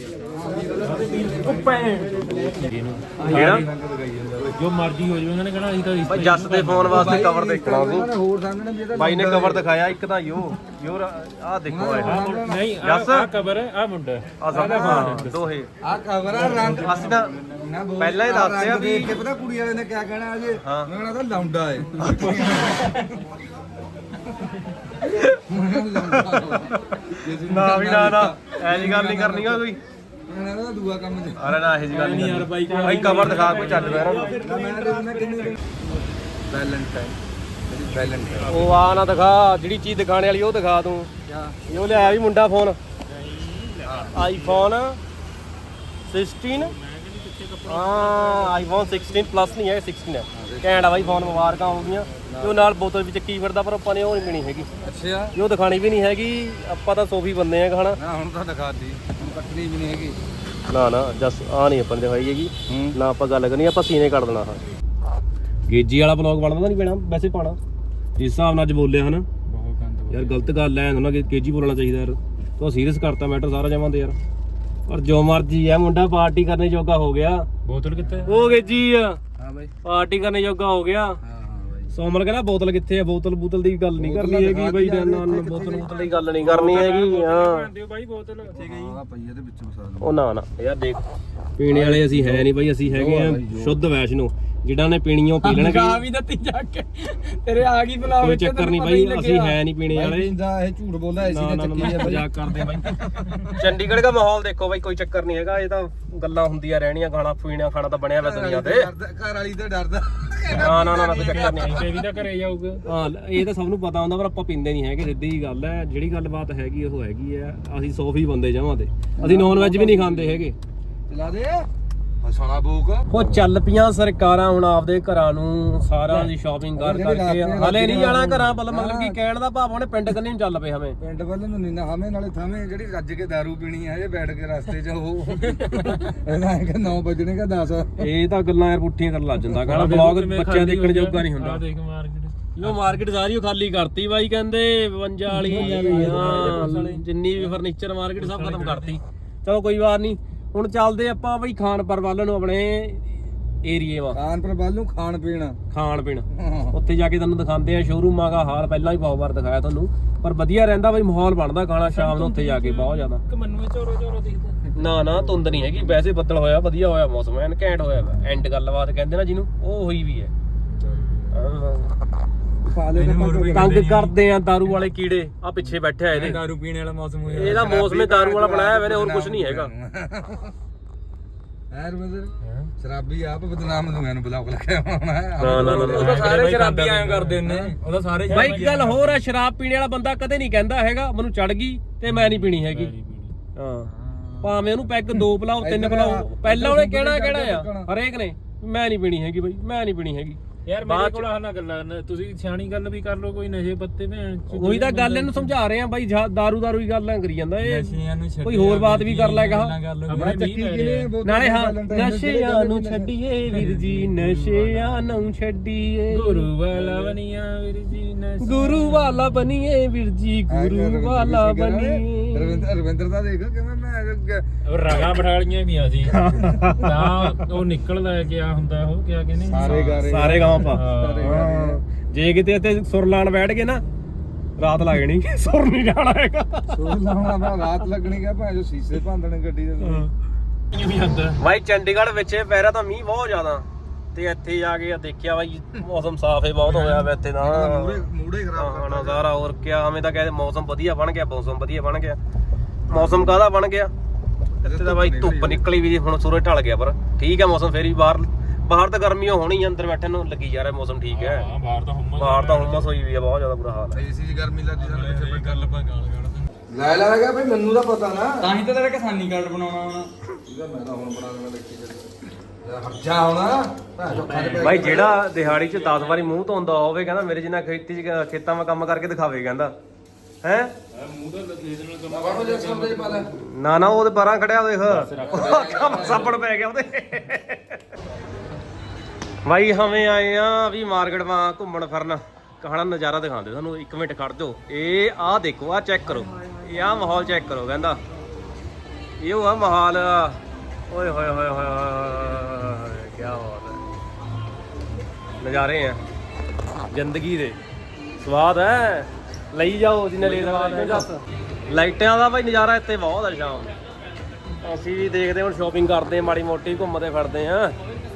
Speaker 1: ਕਿਹੜਾ
Speaker 2: ਜੋ ਮਰਜ਼ੀ ਹੋ ਜਾਵੇ ਉਹਨਾਂ ਨੇ ਕਹਿਣਾ ਅਸੀਂ ਤਾਂ
Speaker 1: ਭਾਈ ਜੱਸ ਦੇ ਫੋਨ ਵਾਸਤੇ ਕਵਰ ਦੇਖਣਾ
Speaker 3: ਉਹਨਾਂ ਨੇ ਹੋਰ ਸਾਹਮਣੇ ਵੀ ਇਹਦਾ
Speaker 1: ਬਾਈ ਨੇ ਕਵਰ ਦਿਖਾਇਆ ਇੱਕ ਤਾਂ ਯੋ ਆਹ ਦੇਖੋ
Speaker 2: ਨਹੀਂ
Speaker 1: ਜੱਸ
Speaker 2: ਆ ਕਬਰ ਹੈ ਆ ਮੁੰਡਾ
Speaker 1: ਆ ਸਭ ਦੋਹੇ
Speaker 3: ਆ ਕਵਰ ਆ ਰੰਗ
Speaker 1: ਅਸੀਂ ਤਾਂ
Speaker 3: ਨਾ ਬੋਲ
Speaker 1: ਪਹਿਲਾਂ ਹੀ ਦੱਸਦੇ ਆ ਵੀ
Speaker 3: ਦੇਖ ਕੇ ਪਤਾ ਕੁੜੀ ਵਾਲੇ ਨੇ ਕਿਆ ਕਹਿਣਾ ਅਜੇ
Speaker 1: ਹਾਂ।
Speaker 3: ਮੈਂ ਕਹਿੰਦਾ ਤਾਂ ਲੌਂਡਾ ਏ
Speaker 1: ਨਾ ਵੀ ਨਾ ਐ ਜੀ ਗੱਲ ਨਹੀਂ ਕਰਨੀ ਆ ਕੋਈ
Speaker 3: ਮੈਂ ਕਹਿੰਦਾ ਦੂਆ ਕੰਮ ਚ
Speaker 1: ਅਰੇ ਨਾ ਇਹ ਜੀ ਗੱਲ ਨਹੀਂ ਯਾਰ ਬਾਈ ਭਾਈ ਕਵਰ ਦਿਖਾ ਕੋਈ ਚੱਲ ਪਿਆ
Speaker 3: ਮੈਂ ਦੇਣਾ ਕਿੰਨੇ ਵੈਲੈਂਟਾਈਨ
Speaker 1: ਉਹ ਆ ਨਾ ਦਿਖਾ ਜਿਹੜੀ ਚੀਜ਼ ਦਿਖਾਣੇ ਵਾਲੀ ਉਹ ਦਿਖਾ ਤੂੰ ਇਹ ਲਿਆਇਆ ਵੀ ਮੁੰਡਾ ਫੋਨ ਆਈਫੋਨ 16 ਹਾਂ ਆਈਫੋਨ 16 ਪਲੱਸ ਨਹੀਂ ਹੈ 16 ਹੈ ਘੈਂਟ ਆ ਬਾਈ ਫੋਨ ਮੁਬਾਰਕਾਂ ਆਉਂਦੀਆਂ ਤੇ ਉਹ ਨਾਲ ਬੋਤਲ ਵੀ ਚੱਕੀ ਫਿਰਦਾ ਪਰ ਆਪਾਂ ਨੇ ਉਹ ਨਹੀਂ ਪੀਣੀ ਹੈਗੀ
Speaker 3: ਅੱਛਾ
Speaker 1: ਇਹ ਉਹ ਦਿਖਾਣੀ ਵੀ ਨਹੀਂ ਹੈਗੀ ਆਪਾਂ ਤਾਂ ਸੋਫੀ ਬੰਦੇ ਆ ਖਾਣਾ
Speaker 3: ਨਾ ਹੁਣ ਤਾਂ ਦਿਖਾਤੀ ਹੁਣ ਕੱਟਣੀ ਵੀ ਨਹੀਂ ਹੈਗੀ
Speaker 1: ਨਾ ਜਸ ਆ ਨਹੀਂ ਆਪਾਂ ਨੇ ਦਿਖਾਈ ਹੈਗੀ ਨਾ ਆਪਾਂ ਗੱਲ ਕਰਨੀ ਆਪਾਂ ਸੀਨੇ ਕੱਢ ਦੇਣਾ ਹਾਂ ਗੇਜੀ ਵਾਲਾ ਬਲੌਗ ਬਣਦਾ ਨਹੀਂ ਪੈਣਾ ਵੈਸੇ ਪਾਣਾ ਜਿਸ ਹਿਸਾਬ ਨਾਲ ਅੱਜ ਬੋਲਿਆ ਹਨਾ
Speaker 4: ਬਹੁਤ ਗੰਦ
Speaker 1: ਯਾਰ ਗਲਤ ਗੱਲ ਐ ਉਹਨਾਂ ਕੇਜੀ ਬੋਲਣਾ ਚਾਹੀਦਾ ਯਾਰ ਤੂੰ ਸੀਰੀਅਸ ਕਰਤਾ ਮੈਟਰ ਸਾਰਾ ਜਮਾਂ ਤੇ ਯਾਰ ਪਰ ਜੋ ਮਰਜੀ ਐ ਮੁੰਡਾ ਪਾਰਟੀ ਕਰਨੇ ਜੋਗਾ ਹੋ ਗਿਆ
Speaker 2: ਬੋਤਲ ਕਿੱਥੇ
Speaker 1: ਉਹ ਗੇਜੀ ਆ
Speaker 3: ਹਾਂ ਬਾਈ
Speaker 1: ਪਾਰਟੀ ਕਰਨੇ ਜੋਗਾ ਹੋ ਗਿਆ
Speaker 3: ਹਾਂ ਬਾਈ
Speaker 1: ਸੋਮਲ ਕਹਿੰਦਾ ਬੋਤਲ ਕਿੱਥੇ ਆ ਬੋਤਲ ਦੀ ਗੱਲ ਨਹੀਂ ਕਰਨੀ ਹੈਗੀ ਬਾਈ ਨਾ ਬੋਤਲ ਦੀ ਗੱਲ ਨਹੀਂ ਕਰਨੀ ਹੈਗੀ ਹਾਂ
Speaker 2: ਦਿਓ ਬਾਈ ਬੋਤਲ
Speaker 3: ਹਾਂ ਪਈਏ ਦੇ ਵਿੱਚ ਮਸਾਲਾ
Speaker 1: ਉਹ ਨਾ ਯਾਰ ਦੇਖ ਪੀਣੇ ਵਾਲੇ ਅਸੀਂ ਹੈ ਨਹੀਂ ਬਾਈ ਅਸੀਂ ਹੈਗੇ ਆ ਸ਼ੁੱਧ ਵੈਸ਼ਨੋ ਜਿਹੜਾ ਨੇ ਪੀਣੀ ਉਹ ਪੀ ਲੈਣਗੇ
Speaker 4: ਆ ਵੀ ਦਿੱਤੀ ਜਾ ਕੇ ਤੇਰੇ ਆ ਗਈ ਬੁਲਾ
Speaker 1: ਕੋਈ ਚੱਕਰ ਨਹੀਂ ਬਾਈ ਅਸੀਂ ਹੈ ਨਹੀਂ ਪੀਣੇ ਵਾਲੇ
Speaker 3: ਜਿੰਦਾ ਇਹ ਝੂਠ ਬੋਲਦਾ ਐਸੀ
Speaker 1: ਨਾ
Speaker 3: ਨੇ ਚੱਕੀ ਹੈ ਬਾਈ
Speaker 1: ਮਜ਼ਾਕ ਕਰਦੇ ਬਾਈ ਚੰਡੀਗੜ੍ਹ ਦਾ ਮਾਹੌਲ ਦੇਖੋ ਬਾਈ ਕੋਈ ਚੱਕਰ ਨਹੀਂ ਹੈਗਾ ਇਹ ਤਾਂ ਗੱਲਾਂ ਹੁੰਦੀਆਂ ਰਹਿਣੀਆਂ ਖਾਣਾ ਪੀਣਾ ਖਾਣਾ ਤਾਂ ਬਣਿਆ ਹੋਇਆ ਦੁਨੀਆ ਤੇ
Speaker 3: ਘਰ ਵਾਲੀ ਤੇ ਡਰਦਾ
Speaker 1: ਨਾ ਕੋਈ ਚੱਕਰ ਨਹੀਂ
Speaker 2: ਤੇ ਵੀ ਤਾਂ ਘਰੇ ਜਾਊਗਾ
Speaker 1: ਹਾਂ ਇਹ ਤਾਂ ਸਭ ਨੂੰ ਪਤਾ ਹੁੰਦਾ ਪਰ ਆਪਾਂ ਪੀਂਦੇ ਨਹੀਂ ਹੈਗੇ ਸਿੱਧੀ ਜੀ ਗੱਲ ਹੈ ਜਿਹੜੀ ਗੱਲਬਾਤ ਹੈਗੀ ਉਹ ਹੈਗੀ ਹੈ ਅਸੀਂ ਸੋਫੀ ਬੰਦੇ ਜਾਵਾਂ ਤੇ ਅਸੀਂ ਨੌਨ ਵੈਜ ਵੀ ਨਹੀਂ ਖਾਂਦੇ ਹੈਗੇ
Speaker 3: ਚਲਾ ਦੇ ਹਸਾਣਾ ਬੋਕ
Speaker 1: ਉਹ ਚੱਲ ਪਈਆਂ ਸਰਕਾਰਾਂ ਹੁਣ ਆਪਦੇ ਘਰਾਂ ਨੂੰ ਸਾਰਿਆਂ ਦੀ ਸ਼ਾਪਿੰਗ ਕਰਕੇ ਹਲੇ ਨਹੀਂ ਜਾਣਾ ਘਰਾਂ ਮਤਲਬ ਕਿ ਕਹਿਣ ਦਾ ਭਾਵ ਉਹਨੇ ਪਿੰਡ ਕੰਨੀ ਨੂੰ ਚੱਲ ਪਏ ਹਮੇ
Speaker 3: ਪਿੰਡ ਵੱਲ ਨੂੰ ਨਹੀਂ ਨਾ ਹਮੇ ਨਾਲੇ ਥਾਵੇਂ ਜਿਹੜੀ ਰੱਜ ਕੇ ਦਾਰੂ ਪੀਣੀ ਹੈ ਜੇ ਬੈਠ ਕੇ ਰਸਤੇ 'ਚ ਉਹ ਇਹਦਾ ਕਿ 9 ਵਜਣੇ ਕਾ 10
Speaker 1: ਇਹ ਤਾਂ ਗੱਲਾਂ ਯਾਰ ਪੁੱਠੀਆਂ ਕਰਨ ਲੱਗ ਜਾਂਦਾ ਕਹਿੰਦਾ ਬਲੌਗ ਬੱਚਿਆਂ ਦੇਖਣ ਜੋਗਾ ਨਹੀਂ ਹੁੰਦਾ
Speaker 2: ਆ ਦੇਖ ਮਾਰਕੀਟ
Speaker 1: ਉਹ ਮਾਰਕੀਟ ਸਾਰੀ ਉਹ ਖਾਲੀ ਕਰਤੀ ਬਾਈ ਕਹਿੰਦੇ 52 ਵਾਲੀ ਹਾਂ ਜਿੰਨੀ ਵੀ ਫਰਨੀਚਰ ਮਾਰਕੀਟ ਸਭ ਖਤਮ ਕਰਤੀ ਚਲੋ ਕੋਈ ਵਾਰ ਨਹੀਂ ਹੁਣ ਚੱਲਦੇ ਆਪਾਂ ਬਈ ਖਾਨਪੁਰ ਵੱਲ ਨੂੰ ਆਪਣੇ ਏਰੀਏ ਵਾ
Speaker 3: ਖਾਨਪੁਰ ਵੱਲ ਨੂੰ ਖਾਣ ਪੀਣ
Speaker 1: ਉੱਥੇ ਜਾ ਕੇ ਤੁਹਾਨੂੰ ਦਿਖਾਉਂਦੇ ਆ ਸ਼ੋਰੂਮਾਂ ਦਾ ਹਾਲ ਪਹਿਲਾਂ ਹੀ ਬਹੁਤ ਵਾਰ ਦਿਖਾਇਆ ਤੁਹਾਨੂੰ ਪਰ ਵਧੀਆ ਰਹਿੰਦਾ ਬਈ ਮਾਹੌਲ ਬਣਦਾ ਖਾਣਾ ਸ਼ਾਮ ਨੂੰ ਉੱਥੇ ਜਾ ਕੇ ਬਹੁਤ ਜ਼ਿਆਦਾ
Speaker 2: ਕਿ ਮੈਨੂੰ ਇਹ ਚੋਰੋ ਦਿਖਦਾ
Speaker 1: ਨਾ ਧੁੰਦ ਨਹੀਂ ਹੈਗੀ ਵੈਸੇ ਬੱਦਲ ਹੋਇਆ ਵਧੀਆ ਹੋਇਆ ਮੌਸਮ ਐਨ ਘੈਂਟ ਹੋਇਆ ਵਾ ਐਂਡ ਗੱਲਬਾਤ ਕਹਿੰਦੇ ਨਾ ਜਿਹਨੂੰ ਉਹ ਹੋਈ ਵੀ ਹੈ ਤੰਗ ਕਰਦੇ ਆ ਦਾਰੂ ਵਾਲੇ ਕੀੜੇ ਆ ਪਿੱਛੇ ਬੈਠੇ ਆ ਇਹਦੇ
Speaker 4: ਦਾਰੂ ਪੀਣ ਵਾਲਾ ਮੌਸਮ ਹੋਇਆ
Speaker 1: ਇਹਦਾ ਮੌਸਮ ਹੀ ਦਾਰੂ ਵਾਲਾ ਬਣਾਇਆ ਹੋਇਆ ਨੇ ਹੋਰ ਕੁਝ ਨਹੀਂ ਹੈਗਾ
Speaker 3: ਐ ਰਮਦਰ ਸ਼ਰਾਬੀ ਆਪ ਬਦਨਾਮ ਨੂੰ ਮੈਨੂੰ ਬਲੌਕ ਲੱਗਿਆ ਹੋਣਾ
Speaker 1: ਨਾ
Speaker 4: ਸਾਰੇ ਸ਼ਰਾਬੀ ਐਂ ਕਰਦੇ ਨੇ ਉਹਦਾ ਸਾਰੇ
Speaker 1: ਬਾਈ ਇੱਕ ਗੱਲ ਹੋਰ ਆ ਸ਼ਰਾਬ ਪੀਣੇ ਵਾਲਾ ਬੰਦਾ ਕਦੇ ਨਹੀਂ ਕਹਿੰਦਾ ਹੈਗਾ ਮੈਨੂੰ ਚੜ ਗਈ ਤੇ ਮੈਂ ਨਹੀਂ ਪੀਣੀ ਹੈਗੀ ਹਾਂ ਭਾਵੇਂ ਉਹਨੂੰ ਪੈਗ 2 ਪਿਲਾਓ 3 ਪਿਲਾਓ ਪਹਿਲਾਂ ਉਹਨੇ ਕਹਿਣਾ ਆ ਹਰੇਕ ਨੇ ਮੈਂ ਨਹੀਂ ਪੀਣੀ ਹੈਗੀ ਬਾਈ ਮੈਂ ਨਹੀਂ ਪੀਣੀ ਹੈਗੀ
Speaker 2: ਯਾਰ ਮੇਰੇ ਕੋਲ ਆਹ ਨਾ ਗੱਲਾਂ ਤੁਸੀਂ ਸਿਆਣੀ ਗੱਲ ਵੀ ਕਰ ਲਓ ਕੋਈ ਨਸ਼ੇ ਪੱਤੇ ਭੈਣ
Speaker 1: ਉਹੀ ਤਾਂ ਗੱਲ ਇਹਨੂੰ ਸਮਝਾ ਰਹੇ ਆ ਬਾਈ ਦਾਰੂ ਹੀ ਗੱਲਾਂ ਕਰੀ ਜਾਂਦਾ ਇਹ
Speaker 4: ਨਸ਼ਿਆਂ ਨੂੰ
Speaker 1: ਕੋਈ ਹੋਰ ਬਾਤ ਵੀ ਕਰ ਲੈ ਕਹਾ ਨਾਲੇ ਹਾਂ ਨਸ਼ਿਆਂ ਨੂੰ ਛੱਡੀਏ ਵੀਰ ਜੀ ਨਸ਼ਿਆਂ ਨੂੰ ਛੱਡੀਏ
Speaker 2: ਗੁਰੂ ਵਾਲਾ ਬਣੀਆਂ ਵੀਰ ਜੀ
Speaker 1: ਗੁਰੂ ਵਾਲਾ ਬਣੀਏ ਵੀਰ ਜੀ ਗੁਰੂ ਵਾਲਾ ਬਣੀਏ
Speaker 3: ਰਵਿੰਦਰ ਦਾ ਦੇਖ ਕਿਵੇਂ ਮੈਂ
Speaker 2: ਰਗਾ ਬਠਾਲੀਆਂ ਵੀ ਆ ਸੀ ਤਾਂ ਉਹ ਨਿਕਲਦਾ ਕਿਆ ਹੁੰਦਾ ਉਹ ਕਿਆ ਕਹਿੰਦੇ
Speaker 1: ਸਾਰੇ ਗਾਵਾਂ ਪਾ ਜੇ ਕਿਤੇ ਇੱਥੇ ਸੁਰ ਲਾਣ ਬੈਠ ਗਏ ਨਾ ਰਾਤ ਲੱਗ ਜਾਣੀ ਸੁਰ ਨਹੀਂ ਜਾਣਾ ਹੈਗਾ
Speaker 3: ਸੋਚ ਲਾਉਣਾ ਮੈਂ ਰਾਤ ਲੱਗਣੀ ਕਿ ਭਾਂ ਜੋ ਸੀਸੇ ਭੰਦਣੇ ਗੱਡੀ ਦੇ
Speaker 2: ਵੀ ਜਾਂਦਾ
Speaker 1: ਬਾਈ ਚੰਡੀਗੜ੍ਹ ਵਿੱਚ ਪਹਿਰਾ ਤਾਂ ਮੀਂਹ ਬਹੁਤ ਜ਼ਿਆਦਾ ਤੇ ਇੱਥੇ ਜਾ ਕੇ ਦੇਖਿਆ ਬਾਈ ਮੌਸਮ ਸਾਫ਼ ਹੀ ਬਹੁਤ ਹੋਇਆ ਵਾ ਇੱਥੇ ਤਾਂ
Speaker 3: ਮੂੜੇ ਖਰਾਬ
Speaker 1: ਹਾਂ ਨਜ਼ਾਰਾ ਹੋਰ ਕਿਆ ਹਮੇ ਤਾਂ ਕਹਿੰਦੇ ਮੌਸਮ ਵਧੀਆ ਬਣ ਗਿਆ ਮੌਸਮ ਕਾਹਦਾ ਬਣ ਗਿਆ ਇੱਥੇ ਤਾਂ ਬਾਈ ਧੁੱਪ ਨਿਕਲੀ ਵੀ ਹੁਣ ਸੂਰਜ ਢਲ ਗਿਆ ਪਰ ਠੀਕ ਹੈ ਮੌਸਮ ਫੇਰ ਵੀ ਬਾਹਰ ਤਾਂ ਗਰਮੀ ਹੋਣੀ ਆ ਅੰਦਰ ਬੈਠੇ ਨੂੰ ਲੱਗੀ ਜਾ ਰਿਹਾ ਮੌਸਮ ਠੀਕ ਹੈ
Speaker 2: ਹਾਂ ਬਾਹਰ ਤਾਂ
Speaker 1: ਹੁਮਸ ਹੋਈ ਵੀ ਆ ਬਹੁਤ ਜ਼ਿਆਦਾ ਬੁਰਾ ਹਾਲ ਹੈ
Speaker 3: ਏਸੀ 'ਚ ਗਰਮੀ ਲੱਗਦੀ ਸਾਨੂੰ ਪਿੱਛੇ
Speaker 2: ਇਹ ਗੱਲ ਆਪਾਂ ਗਾਲ ਕੱਢਦੇ
Speaker 3: ਲੈ ਲਾਗਾ ਬਈ ਮੈਨੂੰ ਤਾਂ ਪਤਾ ਨਾ
Speaker 4: ਤਾਂ ਹੀ ਤਾਂ ਤੇਰਾ ਕਿਸਾਨੀ ਕਾਰਡ ਬਣਾਉਣਾ ਹੁਣ
Speaker 3: ਇਹਦਾ ਮੈਂ ਤਾਂ ਹੁਣ ਬਣਾ ਦੇਣਾ ਦੇਖੀ ਯਾਰ ਹਰਜਾ ਹੋਣਾ ਭਾਂ ਜੋ ਖਾਣੇ ਪੈ
Speaker 1: ਬਾਈ ਜਿਹੜਾ ਦਿਹਾੜੀ 'ਚ 10 ਵਾਰੀ ਮੂੰਹ ਧੋਂਦਾ ਹੋਵੇ ਕਹਿੰਦਾ ਮੇਰੇ ਜਿੰਨਾ ਖੇਤਾਂ 'ਚ ਕੰਮ ਕਰਕੇ ਦਿਖਾਵੇ ਕਹਿੰਦਾ ਹੈ
Speaker 2: ਮੂੰਹ ਤਾਂ ਦੇ ਦੇਣਾ
Speaker 3: ਬਾਬਾ ਜੀ ਸਮਝ ਪਾ ਲੈ
Speaker 1: ਨਾ ਉਹਦੇ ਬਾਰਾਂ ਖੜਿਆ ਦੇਖ ਕੰਮ ਸਾਪੜ ਪੈ ਗਿਆ ਉਹਦੇ ਬਾਈ ਹਵੇਂ ਆਏ ਆ ਵੀ ਮਾਰਕੀਟ ਮਾ ਘੁੰਮਣ ਫਿਰਨ ਕਹਾਣਾ ਨਜ਼ਾਰਾ ਦਿਖਾਉਂਦੇ ਤੁਹਾਨੂੰ 1 ਮਿੰਟ ਖੜ ਜਾਓ ਇਹ ਆਹ ਦੇਖੋ ਆਹ ਚੈੱਕ ਕਰੋ ਇਹ ਆਹ ਮਾਹੌਲ ਚੈੱਕ ਕਰੋ ਕਹਿੰਦਾ ਇਹ ਉਹ ਆ ਮਾਹੌਲ ਓਏ ਹੋਏ ਹੋਏ ਹੋਏ ਹੋਏ ਕੀ ਬਾਤ ਹੈ ਨਜ਼ਾਰੇ ਆ ਜ਼ਿੰਦਗੀ ਦੇ ਸਵਾਦ ਹੈ ਲਈ ਜਾਓ ਜਿੰਨੇ ਲੈ ਸਕਦੇ ਲਾਈਟਾਂ ਦਾ ਬਾਈ ਨਜ਼ਾਰਾ ਇੱਥੇ ਬਹੁਤ ਆ ਸ਼ਾਮ ਨੂੰ ਅਸੀਂ ਵੀ ਦੇਖਦੇ ਹੁਣ ਸ਼ਾਪਿੰਗ ਕਰਦੇ ਮਾੜੀ ਮੋਟੀ ਘੁੰਮਦੇ ਫਿਰਦੇ ਆ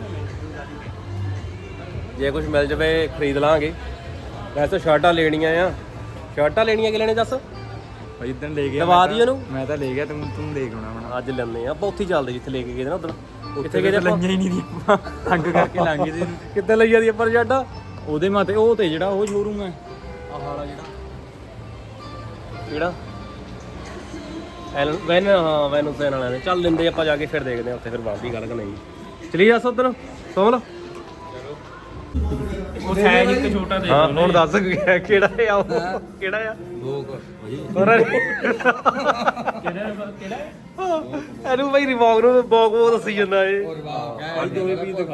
Speaker 1: ਜੇ ਕੁਝ ਮਿਲ ਜਾਵੇ ਖਰੀਦ ਲਾਂਗੇ ਵੈਸੇ ਸ਼ਰਟਾਂ ਲੈਣੀਆਂ ਆ ਕਿ ਲੈਣੇ ਦੱਸ
Speaker 4: ਭਾਈ ਇਦਾਂ ਲੈ ਗਿਆ
Speaker 1: ਦਵਾ ਦੀ ਉਹਨੂੰ
Speaker 4: ਮੈਂ ਤਾਂ ਲੈ ਗਿਆ ਤੂੰ ਦੇਖ ਹੋਣਾ ਹੁਣ
Speaker 1: ਅੱਜ ਲੈਣੇ ਆ ਆਪਾਂ ਉੱਥੇ ਹੀ ਚੱਲਦੇ ਜਿੱਥੇ ਲੈ ਕੇ ਗਏ ਨਾ ਉਦੋਂ ਕਿੱਥੇ ਗਏ ਆਪਾਂ
Speaker 4: ਲਈਆਂ ਹੀ ਨਹੀਂ ਦੀ ਤੰਗ ਕਰਕੇ ਲਾਂਗੇ ਤੇ
Speaker 1: ਕਿੱਥੇ ਲਈ ਜਾਂਦੀ ਆਪਾਂ ਸ਼ਰਟਾਂ
Speaker 4: ਉਹਦੇ ਮਾਤੇ ਉਹ ਤੇ ਜਿਹੜਾ ਉਹ ਸ਼ੋਰੂਮ ਹੈ ਆਹ ਵਾਲਾ
Speaker 1: ਕਿਹੜਾ ਵੈਨ ਸੈਨ ਵਾਲਿਆਂ ਨੇ ਚੱਲ ਲੈਂਦੇ ਆਪਾਂ ਜਾ ਕੇ ਫਿਰ ਦੇਖਦੇ ਆ ਉੱਥੇ ਫਿਰ ਬਣਦੀ ਗੱਲ ਕਿ ਨਹੀਂ ਚਲੀ ਜਾ ਉਧਰ ਸੋਮਲ
Speaker 2: ਉਹ ਹੈ ਜੀ ਇੱਕ ਛੋਟਾ ਦੇ
Speaker 1: ਹਾਂ ਹੁਣ ਦੱਸ ਕਿਹੜਾ ਆ ਉਹ ਕਿਹੜਾ ਆ
Speaker 3: ਲੋਕ
Speaker 1: ਇਹਨੂੰ ਬਈ ਰਿਵੋਗ ਨੂੰ ਬੋਗ ਦੱਸੀ ਜਾਂਦਾ ਏ
Speaker 3: ਔਰ ਵਾਹ